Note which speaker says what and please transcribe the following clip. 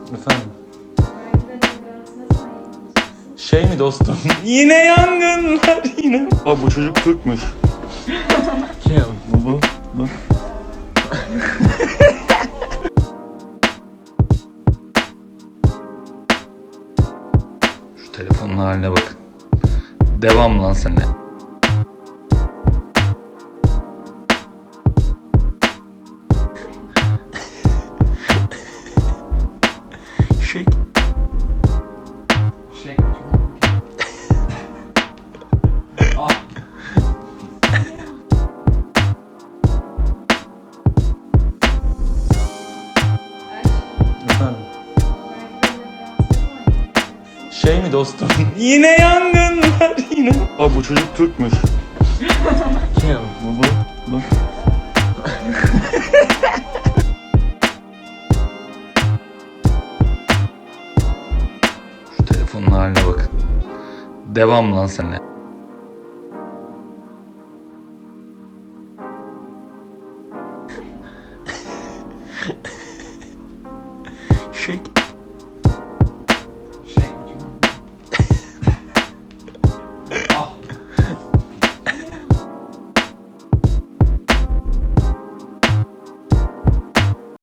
Speaker 1: Efendim? Şey mi dostum? Yine yangınlar yine. Bak bu çocuk Türkmüş. Kim? Bu. Şu telefonun haline bakın. Devam lan seninle. Şey. Efendim? Şey mi dostum? Yine yangınlar yine. Bak bu çocuk Türkmüş. Kim? Bu. Şu telefonun haline bakın. Devam lan seninle. Şey.